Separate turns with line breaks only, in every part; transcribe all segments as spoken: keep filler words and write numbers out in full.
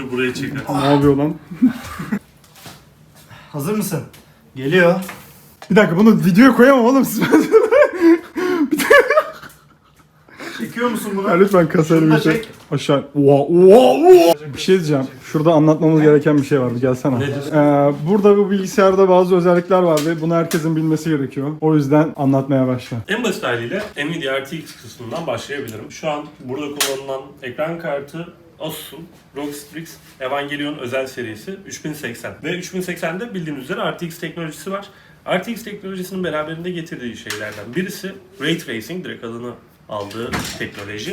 bunu buraya çeker.
Ne yapıyor lan?
Hazır mısın? Geliyor.
Bir dakika bunu videoya koyamam oğlum.
Çekiyor musun bunu?
Ya lütfen kasayla
Şunu da
bir şey.
çek.
Aşağı. Oha, oha, oha. Bir şey diyeceğim. Şurada anlatmamız gereken bir şey vardı. Gelsene.
Nedir?
Ee, burada bu bilgisayarda bazı özellikler var ve bunu herkesin bilmesi gerekiyor. O yüzden anlatmaya başla.
En basit haliyle Nvidia R T X kısmından başlayabilirim. Şu an burada kullanılan ekran kartı Asus'un R O G Strix Evangelion özel serisi üç bin seksen. Ve üç bin seksende bildiğiniz üzere R T X teknolojisi var. R T X teknolojisinin beraberinde getirdiği şeylerden birisi Ray Tracing, direkt adını aldığı teknoloji.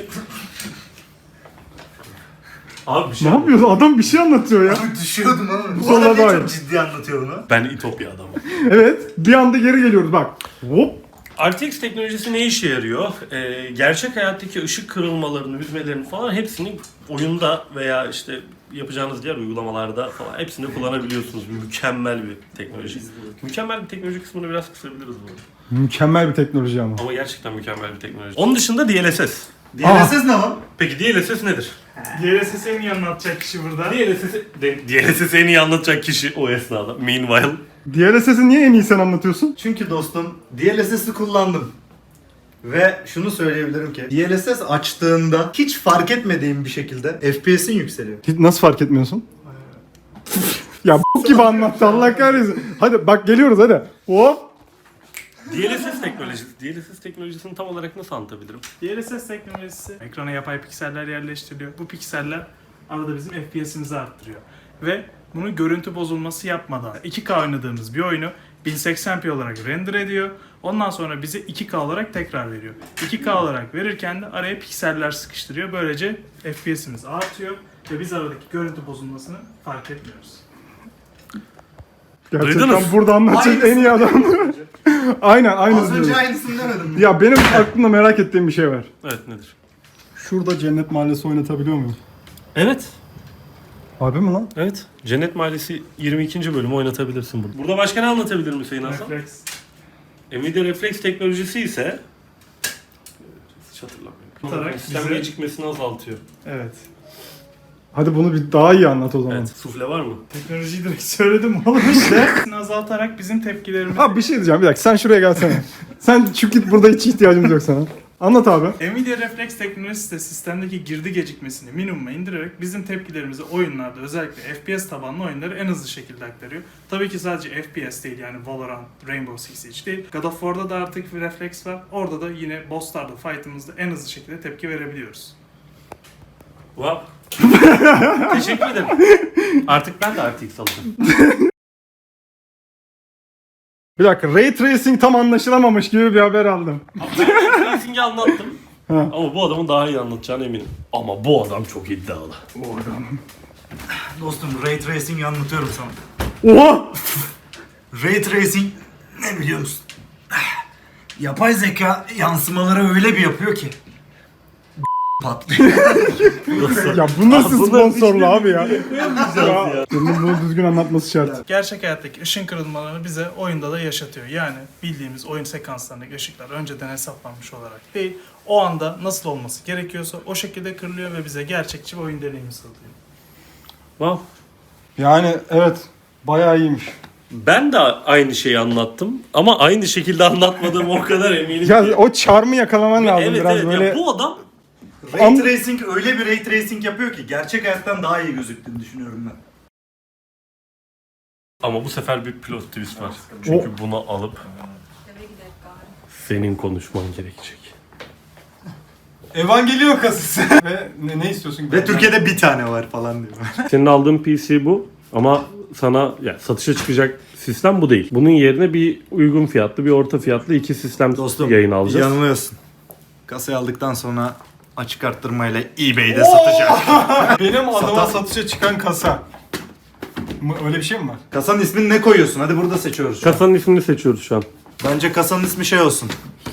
Abi bir şey
Ne yapıyorsun? Adam bir şey anlatıyor ya.
Abi düşüyordum ama. Bu
Sonra
adam
daha
niye
iyi.
çok ciddi anlatıyor bunu?
Ben İtopya adamım.
Evet. Bir anda geri geliyoruz bak. Hop.
R T X teknolojisi ne işe yarıyor? Ee, gerçek hayattaki ışık kırılmalarını, hüzmelerini falan hepsini oyunda veya işte yapacağınız diğer uygulamalarda falan hepsini kullanabiliyorsunuz. Mükemmel bir teknoloji. Mükemmel bir teknoloji kısmını biraz kısabiliriz bu arada.
Mükemmel bir teknoloji ama.
Ama gerçekten mükemmel bir teknoloji. Onun dışında D L S S.
D L S S ne lan?
Peki D L S S nedir?
D L S S'i en iyi anlatacak kişi burada.
D L S S, D L S S'i en iyi anlatacak kişi o esnada. Meanwhile.
D L S S'i niye en iyi sen anlatıyorsun?
Çünkü dostum D L S S'i kullandım. Ve şunu söyleyebilirim ki D L S S açtığında hiç fark etmediğim bir şekilde F P S'in yükseliyor.
Hiç- Nasıl fark etmiyorsun? Ya b- gibi anlattı Allah kahretsin. Hadi bak geliyoruz hadi. Hop.
D L S S teknolojisi. D L S S teknolojisini tam olarak nasıl anlatabilirim?
D L S S teknolojisi ekrana yapay pikseller yerleştiriliyor. Bu pikseller arada bizim F P S'imizi arttırıyor. Ve bunu görüntü bozulması yapmadan iki K oynadığımız bir oyunu bin seksen p olarak render ediyor. Ondan sonra bize iki K olarak tekrar veriyor. iki K olarak verirken de araya pikseller sıkıştırıyor. Böylece F P S'imiz artıyor ve biz aradaki görüntü bozulmasını fark etmiyoruz.
Gerçekten
Duydunuz.
burada anlatacak
Aynısı.
en iyi adam. Aynen
Az
aynı
önce
diyorum.
aynısını demedim mi?
Ya benim aklımda merak ettiğim bir şey var.
Evet, nedir?
Şurada Cennet Mahallesi oynatabiliyor muyum?
Evet.
Harbi mi lan?
Evet. Cennet Mahallesi yirmi ikinci bölümü oynatabilirsin burada. Burada başka ne anlatabilirim Hüseyin Hasan?
Refleks.
Nvidia Reflex teknolojisi ise hiç hatırlamıyorum.
Tutarak
Sistem
bize-
gecikmesini azaltıyor.
Evet.
Hadi bunu bir daha iyi anlat o zaman.
Evet. Sufle var mı?
Teknolojiyi direkt söyledim oğlum işte. azaltarak bizim tepkilerimizi...
Abi bir şey diyeceğim bir dakika sen şuraya gelsene. Sen çık git, burada hiç ihtiyacımız yok sana. Anlat abi.
Nvidia Reflex teknolojisi de sistemdeki girdi gecikmesini minimuma indirerek bizim tepkilerimizi oyunlarda, özellikle F P S tabanlı oyunları en hızlı şekilde aktarıyor. Tabii ki sadece F P S değil, yani Valorant, Rainbow Six Siege değil. God of War'da da artık bir refleks var. Orada da yine bosslarda, fight'ımızda en hızlı şekilde tepki verebiliyoruz.
Wow. Teşekkür ederim. Artık ben de R T X alacağım.
Bir dakika Ray Tracing tam anlaşılamamış gibi bir haber aldım.
Racing'i anlattım.
Ha.
Ama bu adamın daha iyi anlatacağına eminim. Ama bu adam çok iddialı.
Dostum Ray Tracing'i anlatıyorum sana.
Oha!
Ray Tracing ne biliyor musun? Yapay zeka yansımaları öyle bir yapıyor ki patlıyor.
Ya bu nasıl
Abi,
sponsorlu abi ya?
Ya.
ya. Senin bunu düzgün anlatması şart.
Gerçek hayattaki ışın kırılmalarını bize oyunda da yaşatıyor. Yani bildiğimiz oyun sekanslarındaki ışıklar önceden hesaplanmış olarak değil, o anda nasıl olması gerekiyorsa o şekilde kırılıyor ve bize gerçekçi bir oyun deneyimi sağlıyor.
Wow.
Yani evet bayağı iyiymiş.
Ben de aynı şeyi anlattım ama aynı şekilde anlatmadığım o kadar eminim
Ya
ki.
o charm'ı yakalaman lazım
Evet
biraz
evet
böyle.
ya bu adam
Ray
Am-
Tracing öyle bir Ray Tracing yapıyor ki gerçek hayattan daha iyi gözüktüğünü düşünüyorum ben.
ama bu sefer bir plot twist var. Çünkü bunu alıp senin konuşman gerekecek.
Evangelion kasası. Ve ne, ne istiyorsun?
Ve Türkiye'de bir tane var falan diyor.
Senin aldığın P C bu ama sana yani satışa çıkacak sistem bu değil. Bunun yerine bir uygun fiyatlı, bir orta fiyatlı iki sistem
Dostum
yayın alacağız.
yanılıyorsun. Kasayı aldıktan sonra açık arttırmayla eBay'de satacak.
Benim adıma
Satan-
satışa çıkan kasa. Mı- Öyle bir şey mi var?
Kasanın ismini ne koyuyorsun? Hadi burada seçiyoruz. şu an.
Kasanın ismini seçiyoruz şu an.
Bence kasanın ismi şey olsun.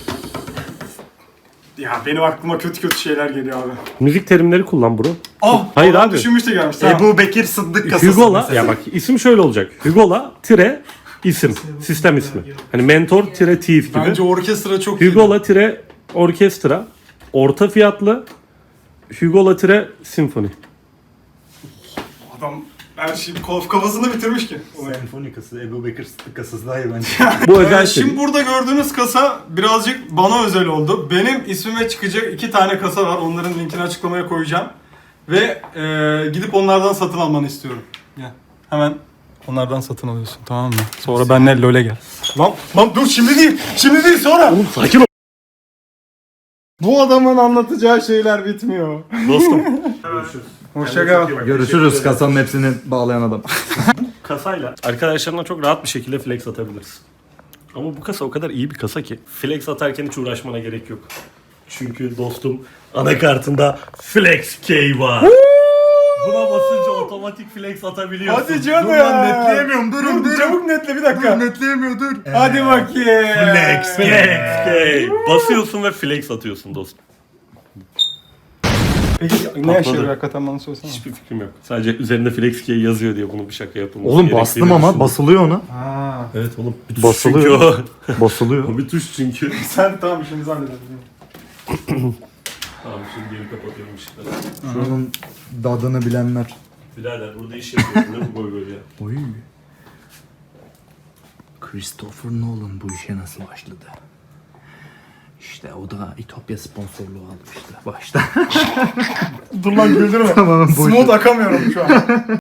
Ya benim aklıma kötü kötü şeyler geliyor abi.
Müzik terimleri kullan bro.
Oh!
Hayır
adam
abi.
Düşünmüş de gelmiş. Tamam.
Ebu Bekir Sıddık kasası.
Hugo'la
mesela.
ya bak isim şöyle olacak. Hugo'la tire isim, sistem ismi. Hani mentor tire thief gibi.
Bence orkestra çok iyi.
Hugo'la tire orkestra, orta fiyatlı Hugo'la tire simfoni.
Adam her şeyi kaf- kafasında bitirmiş ki.
Senfoni kasası, Ebu Bekir Sıddık kasası daha iyi bence.
Bu
Ee,
özel
şimdi
seri.
burada gördüğünüz kasa birazcık bana özel oldu. Benim ismime çıkacak iki tane kasa var. Onların linkini açıklamaya koyacağım. Ve e, gidip onlardan satın almanı istiyorum. Gel. Hemen onlardan satın alıyorsun, tamam mı? Sonra benimle LoL'e gel. Lan, lan dur şimdi değil. Şimdi değil sonra.
Oğlum sakin ol.
Bu adamın anlatacağı şeyler bitmiyor.
Dostum. Görüşürüz.
Hoşça kal.
Görüşürüz kasanın hepsini bağlayan adam.
Kasayla arkadaşlarına çok rahat bir şekilde flex atabiliriz. Ama bu kasa o kadar iyi bir kasa ki flex atarken hiç uğraşmana gerek yok. Çünkü dostum anakartında Flex Key var. Buna basınca otomatik flex atabiliyorsun.
Hadi canım.
Dur lan, netleyemiyorum, dur,
Dur,
dur.
çabuk netle bir dakika.
Netleyemiyor dur.
Hadi bakayım.
Flex Key.
Flex Key. Basıyorsun ve flex atıyorsun dostum.
Peki ne
Patladı.
yaşıyor hakikaten bana söylesene.
Hiçbir fikrim yok. Sadece üzerinde Flex Key yazıyor diye bunu bir şaka yapılması
Oğlum
gerektiğini
bastım ama
düşündüm.
basılıyor ona.
Ha.
Evet oğlum. Bir tuş
Basılıyor.
çünkü
Basılıyor.
o. O bir tuş çünkü.
Sen tamam işimizi halledelim.
Tamam şimdi geri kapatıyorum ışıkları.
Şunun dadını bilenler.
Birader burada iş yapıyorsun ne bu boy böyle ya?
Oy. Christopher Nolan bu işe nasıl başladı? İşte o da İtopya sponsorluğu almıştı başta.
Dur lan güldürme.
Tamam, boş ver.
Smooth akamıyorum şu an.